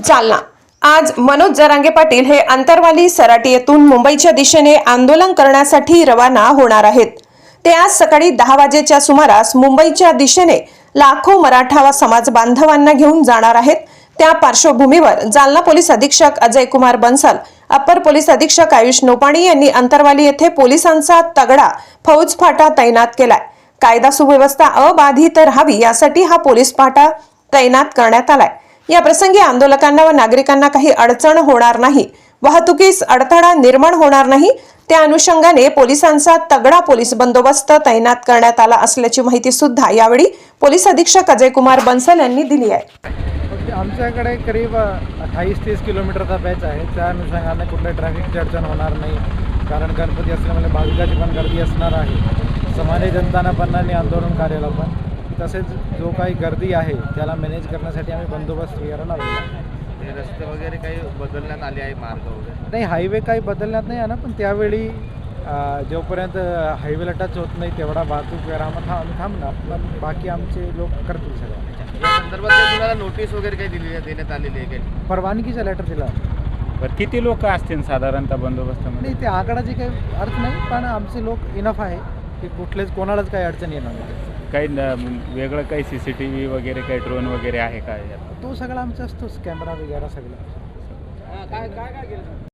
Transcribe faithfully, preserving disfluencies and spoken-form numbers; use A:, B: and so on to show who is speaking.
A: जालना। आज मनोज जरांगे पाटील हे अंतरवाली सराटी येथून मुंबईच्या दिशेने आंदोलन करण्यासाठी रवाना होणार आहेत। ते आज सकाळी दहा वाजेच्या सुमारास मुंबईच्या दिशेने लाखो मराठा समाज बांधवांना घेऊन जाणार आहेत। त्या पार्श्वभूमीवर जालना पोलीस अधीक्षक अजय कुमार बंसल, अपर पोलीस अधीक्षक आयुष नोपाणी यांनी अंतरवाली येथे पोलिसांचा तगडा फौज फाटा तैनात केलाय। कायदा सुव्यवस्था अबाधित राहावी यासाठी हा पोलीस फाटा तैनात करण्यात आलाय। या प्रसंगी आंदोलकांना व नागरिकांना काही अडचण होणार नाही, वाहतुकीस अडथळा निर्माण होणार नाही, त्या अनुषंगाने पोलिसांचा तगडा पोलीस बंदोबस्त तैनात करण्यात आला असल्याची माहिती सुद्धा यावेळी पोलीस अधीक्षक अजय कुमार बंसल यांनी दिली आहे।
B: आमच्याकडे करीब अठ्ठावीस तीस किलोमीटरचा बॅच आहे। त्या अनुषंगाने कुठल्या ट्रॅफिकची अडचण होणार नाही, कारण गणपती असल्यामुळे भाविकांची पण गर्दी असणार आहे। सामान्य जनताना पण आणि आंदोलन कार्याला पण तसेच जो काही गर्दी आहे त्याला मॅनेज करण्यासाठी आम्ही बंदोबस्त वगैरे लावलेला आहे।
C: रस्ते वगैरे काही बदलण्यात आले आहे, मार्ग वगैरे
B: नाही, हायवे काही बदलण्यात नाही आहे ना, पण त्यावेळी जोपर्यंत हायवेला टच होत नाही तेवढा वाहतूक वगैरे आम्हाला आम्ही थांबणार, पण बाकी आमचे लोक करतील सगळं।
C: या संदर्भात काही तुम्हाला नोटीस वगैरे काही दिली देण्यात आलेली आहे काही?
B: परवानगीचा लेटर दिला।
D: बरं, किती लोक असतील साधारणतः बंदोबस्तामध्ये?
B: नाही, ते आकडाची काही अर्थ नाही, पण आमचे लोक इनफ आहे की कुठलेच कोणालाच काही अडचण येणार नाही।
D: काही वेगळं काही सी सी टी व्ही वगैरे काही ड्रोन वगैरे आहे का?
B: तो सगळा आमचा असतोच, कॅमेरा वगैरे सगळं।
C: काय काय काय केलं?